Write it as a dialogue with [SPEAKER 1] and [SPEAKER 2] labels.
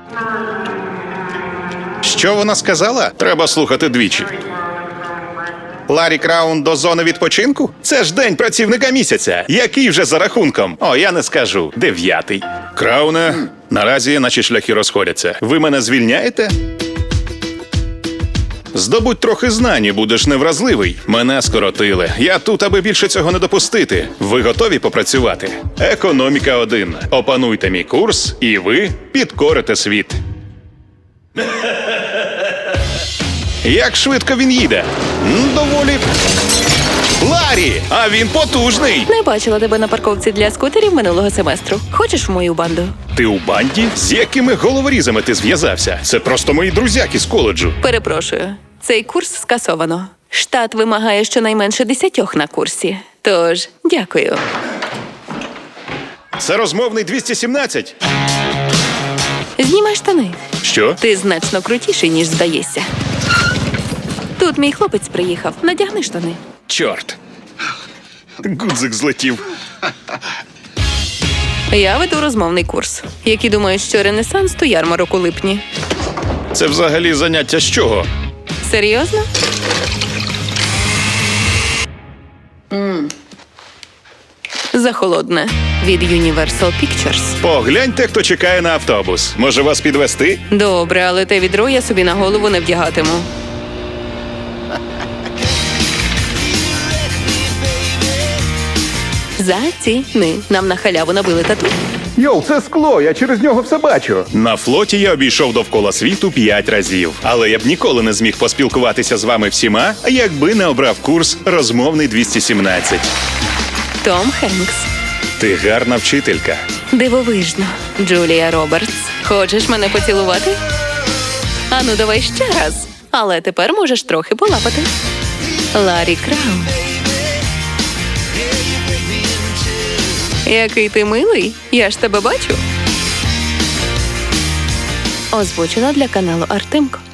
[SPEAKER 1] Що вона сказала? Треба слухати двічі. Ларі Краун до зони відпочинку? Це ж день працівника місяця. Який вже за рахунком? О, я не скажу. 9-й. Крауне, наразі наші шляхи розходяться. Ви мене звільняєте? Здобудь трохи знань і будеш невразливий. Мене скоротили. Я тут, аби більше цього не допустити. Ви готові попрацювати? Економіка 1. Опануйте мій курс, і ви підкорите світ. Як швидко він їде? Доволі. Ларі! А він потужний!
[SPEAKER 2] Не бачила тебе на парковці для скутерів минулого семестру. Хочеш в мою банду?
[SPEAKER 1] Ти у банді? З якими головорізами ти зв'язався? Це просто мої друзяки з коледжу.
[SPEAKER 2] Перепрошую, цей курс скасовано. Штат вимагає щонайменше 10 на курсі. Тож, дякую.
[SPEAKER 1] Це розмовний 217?
[SPEAKER 2] Знімай штани.
[SPEAKER 1] Що?
[SPEAKER 2] Ти значно крутіший, ніж здаєшся. Тут мій хлопець приїхав. Надягни штани.
[SPEAKER 1] Чорт. Гудзик злетів.
[SPEAKER 2] Я веду розмовний курс. Які думають, що Ренесанс – то ярмарок у липні.
[SPEAKER 1] Це взагалі заняття з чого?
[SPEAKER 2] Серйозно? Захолодне. Від Universal Pictures.
[SPEAKER 1] Погляньте, хто чекає на автобус. Може вас підвести?
[SPEAKER 2] Добре, але те відро я собі на голову не вдягатиму. Заціни. Нам на халяву набили тату.
[SPEAKER 3] Йоу, це скло, я через нього все бачу.
[SPEAKER 1] На флоті я обійшов довкола світу 5 разів. Але я б ніколи не зміг поспілкуватися з вами всіма, якби не обрав курс «Розмовний 217».
[SPEAKER 2] Том Хенкс.
[SPEAKER 1] Ти гарна вчителька.
[SPEAKER 2] Дивовижно. Джулія Робертс. Хочеш мене поцілувати? Ану, давай ще раз. Але тепер можеш трохи полапати. Ларі Краун. Який ти милий. Я ж тебе бачу. Озвучено для каналу Артемко.